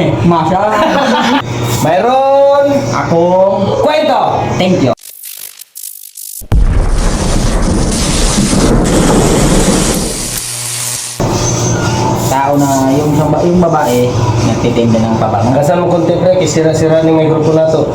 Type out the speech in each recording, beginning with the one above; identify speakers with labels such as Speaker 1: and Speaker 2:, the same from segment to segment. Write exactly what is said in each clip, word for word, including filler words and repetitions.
Speaker 1: Masya.
Speaker 2: Mayroon
Speaker 1: Akong
Speaker 2: kwento.
Speaker 1: thank you. Tao na yung, yung babae nagtitinda ng pabango.
Speaker 2: Kasama mo konti pre, kisira-sira ni may grupo na to.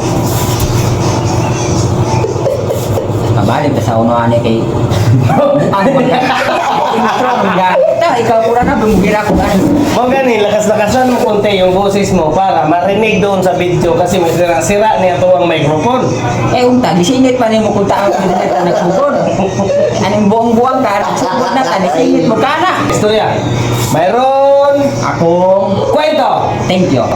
Speaker 1: Mabalik ka sa unahan ni kay ano man ka? Intro man ka? Ta, ikaw pura na bumugira ko kan.
Speaker 2: Mo gani, lakas-lakasan mo konti yung boses mo para marinig doon sa video kasi may sira-sira niya to ang microphone.
Speaker 1: Eh unta, disingit pa nimo kung tao disingit na nagsugod. Anong buong-buang ka, nagsugod na ka, disingit mo ka na.
Speaker 2: Istorya. Mayroon
Speaker 1: Akong
Speaker 2: kwento.
Speaker 1: thank you.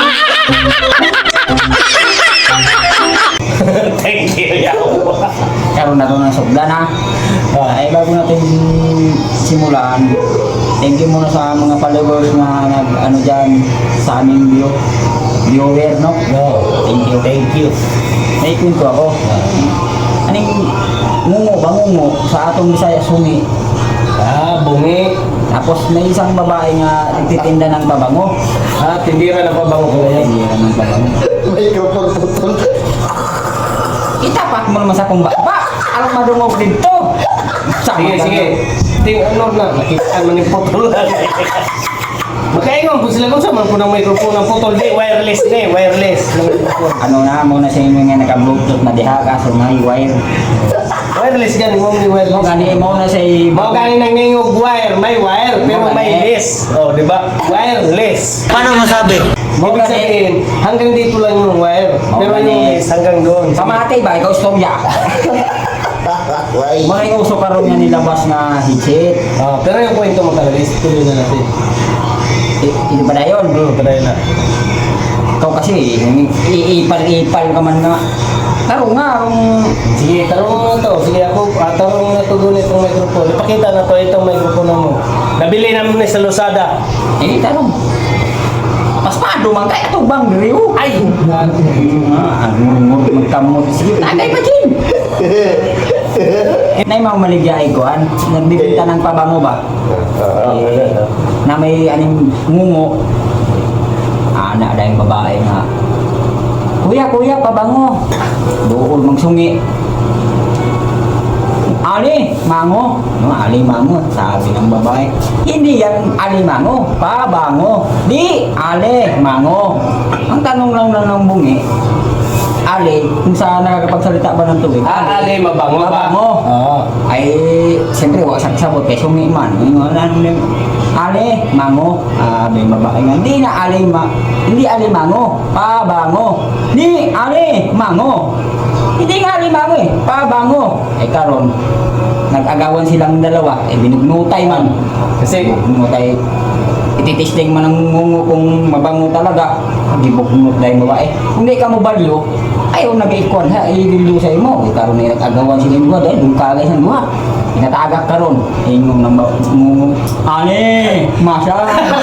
Speaker 2: Thank you, yaw.
Speaker 1: Karoon na ito ng sugda na. Ay bago natin simulan, thank you muna sa mga followers na nag ano dyan sa aming view viewer no?
Speaker 2: No.
Speaker 1: Thank you.
Speaker 2: Thank you.
Speaker 1: May kwento ako. Anong ngungo ba ngungo sa atong Bisaya sungi.
Speaker 2: Ah, bungi.
Speaker 1: Tapos may isang babae nga nagtitinda ng babango.
Speaker 2: Ah, tindira na pabango ko yan.
Speaker 1: Tindira ng babango.
Speaker 2: Microphone putol.
Speaker 1: Itapak mo naman sa kumba. Ba! Alam madungog dito!
Speaker 2: Sige, sige. Ting ano na, nakita mo ni putol lang. Makaingon po sila kung saan po ng microphone ng putol. Di, wireless na eh, wireless.
Speaker 1: Ano na, muna sa inyo nga naka-bluetooth na diha kaso may wire.
Speaker 2: Wireless gani, mo ni
Speaker 1: Mo
Speaker 2: wireless.
Speaker 1: gani mo na sa
Speaker 2: Mao gani nang ningog wire, may wire, pero may less. Oh, di ba? Wireless.
Speaker 3: Paano masabi?
Speaker 2: Ibig sabihin, hanggang dito lang yung wire, pero yung less hanggang doon.
Speaker 1: Pamatay ba? Ikaw storya. Mga yung uso karon nga nilabas na headset.
Speaker 2: Ah, pero yung kwento mo talaga, ituloy na natin.
Speaker 1: I- Ito ba na yun?
Speaker 2: Hmm, padayon na.
Speaker 1: Ikaw kasi, iipal-ipal ka man nga. Taro nga, arong...
Speaker 2: Sige, tarong mo na to. Sige, ako, ah, tarong mo na to doon itong microphone. Ipakita na to itong microphone mo. Nabili namin ni sa Lazada.
Speaker 1: Eh, tarong. Mas paano man kaya ito bang riyo? Ay! Ah, ang magkamot. Sige, tagay pa din! Na yung mga maligay ko, an, nagbibinta ng pabango ba? Eh, na may aning ngungo. Ana na yung babae nga. Kuya, kuya, pabango. Doon magsungi. Ali, mango. No, ali, mango. Sabi ng babae. Hindi yan ali, mango. Pabango. Di, ali, mango. Ang tanong lang lang ng bungi, ali, kung saan nakakapagsalita ba ng tubig?
Speaker 2: Ah, ali, mabango ba?
Speaker 1: Mabango.
Speaker 2: Oo.
Speaker 1: Ay, siyempre, wag sabot kay sungi man. Yung ano, ali, mango. Ah, may babae nga. Hindi na ali, ma hindi ali, mango. Pabango. Di, ali, mango. Hindi nga ali, mango eh. Pabango. Ay, karon nag-agawan silang dalawa. Eh, binugnutay man.
Speaker 2: Kasi,
Speaker 1: Binugnutay. Ititesting man ang ngungo kung mabango talaga. Gibugnut dahil babae. Kung di ka mo balyo, ayaw nag-ikon ha, ililo sa imo. Eh, karon na nag-agawan sila yung dahil yung kalay sa luha. Inatagak karon. Ingong nang ngungo. Ani, masya.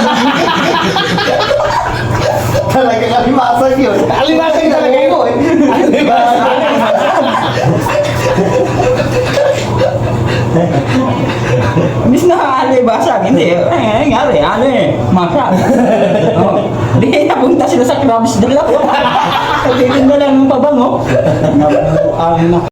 Speaker 3: Talaga kalimasag yun.
Speaker 2: alimasag talaga yun. Alimasag.
Speaker 1: Bis na ali basag, hindi. Eh, ngari, ali, masya. Oh, di napunta sila sa crabs dalawa. Hindi na lang ng pabango. Ang